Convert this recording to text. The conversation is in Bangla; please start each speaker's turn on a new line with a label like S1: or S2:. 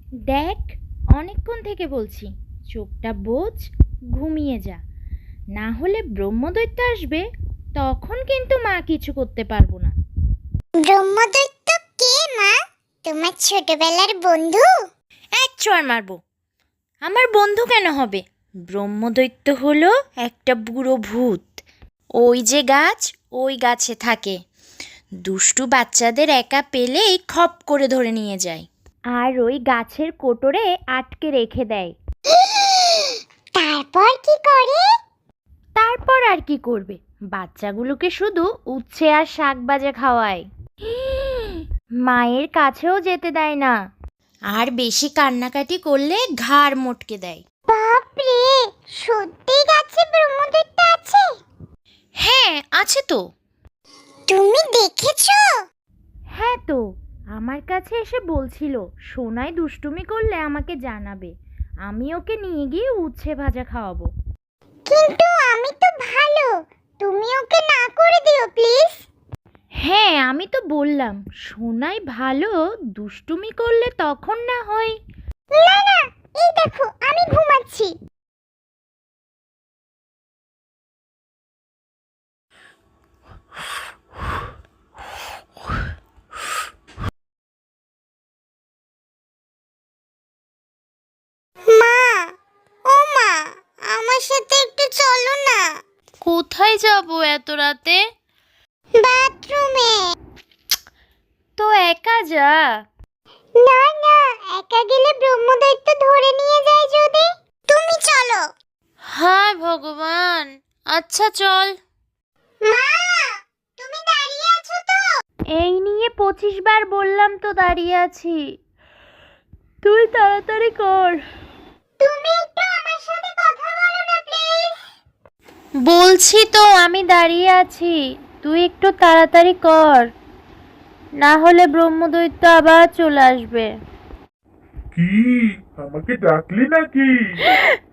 S1: দেখ, অনেকক্ষণ থেকে বলছি, চোখটা বোঝ, ঘুমিয়ে যা। না হলে ব্রহ্মদৈত্য আসবে, তখন কিন্তু মা কিছু করতে পারবো না।
S2: ব্রহ্মদৈত্য কে মা? তোমার ছোটবেলার বন্ধু?
S1: এক চড় মারবো। আমার বন্ধু কেন হবে? ব্রহ্মদৈত্য হলো একটা বুড়ো ভূত। ওই যে গাছ, ওই গাছে থাকে। দুষ্টু বাচ্চাদের একা পেলেই খপ করে ধরে নিয়ে যায়, আর ওই গাছের কোটরে আটকে রেখে দেয়।
S2: তারপর কি করে?
S1: তারপর আর কি করবে? বাচ্চাগুলোকে শুধু উচ্ছে আর শাক ভাজা খাওয়ায়। মায়ের কাছেও যেতে দেয় না, আর বেশি কান্নাকাটি করলে ঘাড় মটকে দেয়।
S2: বাপরে, সত্যি গাছে ব্রহ্মদৈত্য আছে?
S1: হ্যাঁ, আছে তো।
S2: তুমি দেখেছো?
S1: হ্যাঁ তো, আমার কাছে এসে বলছিল সোনাই দুষ্টুমি করলে আমাকে জানাবে, আমি ওকে নিয়ে গিয়ে উচ্ছে ভাজা খাওয়াবো।
S2: কিন্তু আমি তো ভালো, তুমি ওকে না করে দিও প্লিজ।
S1: হ্যাঁ, আমি তো বললাম সোনাই ভালো, দুষ্টুমি করলে তখন না হয়।
S2: না না, এই দেখো আমি ঘুমাচ্ছি। মা, ও মা, আমার সাথে একটু চলো না।
S1: কোথায় যাব এত রাতে?
S2: বাথরুমে।
S1: তো একা যা।
S2: না না, একা গেলে ব্রহ্মদৈত্য ধরে নিয়ে যায় যদি। তুমি চলো।
S1: হায় ভগবান, আচ্ছা চল।
S2: মা, তুমি দাঁড়িয়ে আছো তো?
S1: এই নিয়ে 25 বার বললাম তো দাঁড়িয়ে আছি, তুই তাড়াতাড়ি কর।
S2: তুমি একটু আমার সাথে কথা বলো না প্লিজ।
S1: বলছি তো আমি দাঁড়িয়ে আছি, তুই একটু তাড়াতাড়ি কর, না হলে ব্রহ্মদৈত্য আবার চলে আসবে।
S3: কি, আমাকে ডাকলি নাকি?